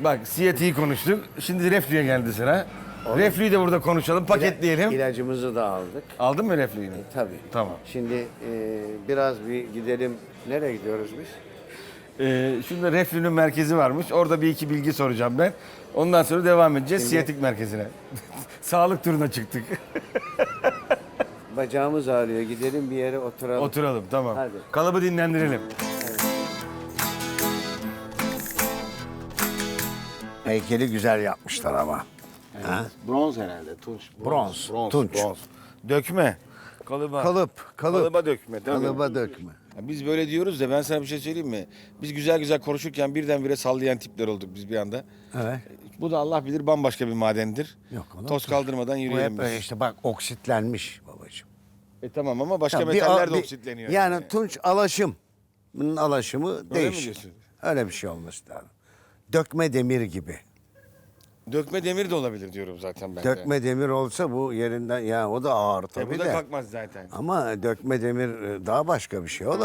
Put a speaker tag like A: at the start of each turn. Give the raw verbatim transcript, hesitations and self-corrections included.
A: Bak siyatiği konuştuk. Şimdi reflüye geldi sıra. Reflüyü de burada konuşalım, paketleyelim.
B: İlacımızı da aldık.
A: Aldın mı reflüyü?
B: Tabii.
A: Tamam.
B: Şimdi e, biraz bir gidelim. Nereye gidiyoruz biz?
A: Ee, şurada reflünün merkezi varmış. Orada bir iki bilgi soracağım ben. Ondan sonra devam edeceğiz
B: Şimdi-
A: siyatik merkezine. Sağlık turuna çıktık.
B: Bacağımız ağrıyor. Gidelim bir yere oturalım.
A: Oturalım tamam.
B: Hadi.
A: Kalıbı dinlendirelim.
B: Heykeli güzel yapmışlar ama. Ha?
A: Bronz herhalde, tunç.
B: Bronz, tunç.
A: Dökme. Kalıba.
B: Kalıp, kalıp.
A: Kalıba dökme. Tabii.
B: Kalıba dökme.
A: Ya biz böyle diyoruz da ben sana bir şey söyleyeyim mi? Biz güzel güzel konuşurken birdenbire sallayan tipler olduk biz bir anda.
B: Evet.
A: Bu da Allah bilir bambaşka bir madendir.
B: Yok oğlum.
A: Toz kaldırmadan
B: Bu
A: yürüyelim
B: hep
A: biz.
B: böyle işte bak oksitlenmiş babacığım.
A: E tamam ama başka
B: Ya bir-
A: metaller de
B: bir-
A: oksitleniyor.
B: Yani tunç alaşım. Bunun alaşımı
A: mi
B: değişik.
A: diyorsun?
B: Öyle bir şey olması lazım. Dökme demir gibi.
A: Dökme demir de olabilir diyorum zaten ben de.
B: Dökme demir olsa bu yerinden ya o da ağır
A: E
B: tabii
A: bu da
B: de.
A: kalkmaz zaten.
B: Ama dökme demir e, daha başka bir şey. O da